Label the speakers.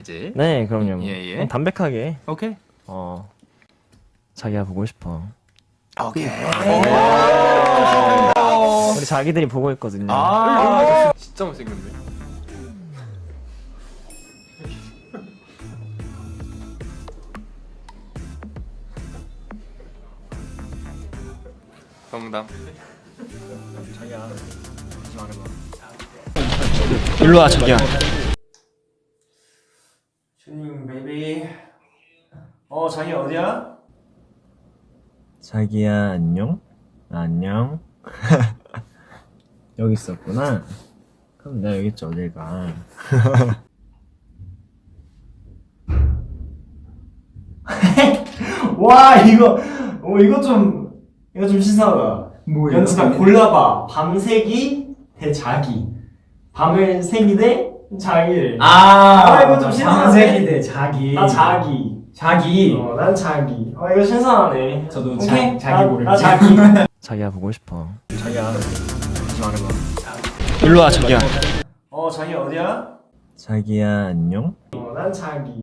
Speaker 1: 이제
Speaker 2: 네, 그럼요.
Speaker 1: 예.
Speaker 2: 담백하게.
Speaker 1: 오케이.
Speaker 2: 자기야 보고 싶어.
Speaker 1: 오케이.
Speaker 2: 우리 자기들이 보고 있거든요.
Speaker 1: 진짜 못생겼네. 농담.
Speaker 2: 자기야, 하지 말아봐.
Speaker 1: 일로 와 자기야.
Speaker 2: 슈닝 베이비. 자기 어디야? 자기야 안녕? 안녕. 여기 있었구나. 그럼 내가 여기 있지 어딜 가. 와 이거 좀 신선하다.
Speaker 3: 뭐예요?
Speaker 2: 연습한 골라봐. 밤새기 대 자기. 밤을 새기 대 자기를. 이거 좀 신선하네.
Speaker 3: 밤새기 대 자기.
Speaker 2: 나 자기.
Speaker 3: 자기.
Speaker 2: 난 자기. 이거 신선하네.
Speaker 3: 저도
Speaker 2: 오케이?
Speaker 3: 자기 모르겠네.
Speaker 2: 나 자기. 자기야 보고 싶어. 자기야 하지 말아봐.
Speaker 1: 일로 와 자기야.
Speaker 2: 자기 어디야?
Speaker 4: 자기야 안녕?
Speaker 2: 난 자기.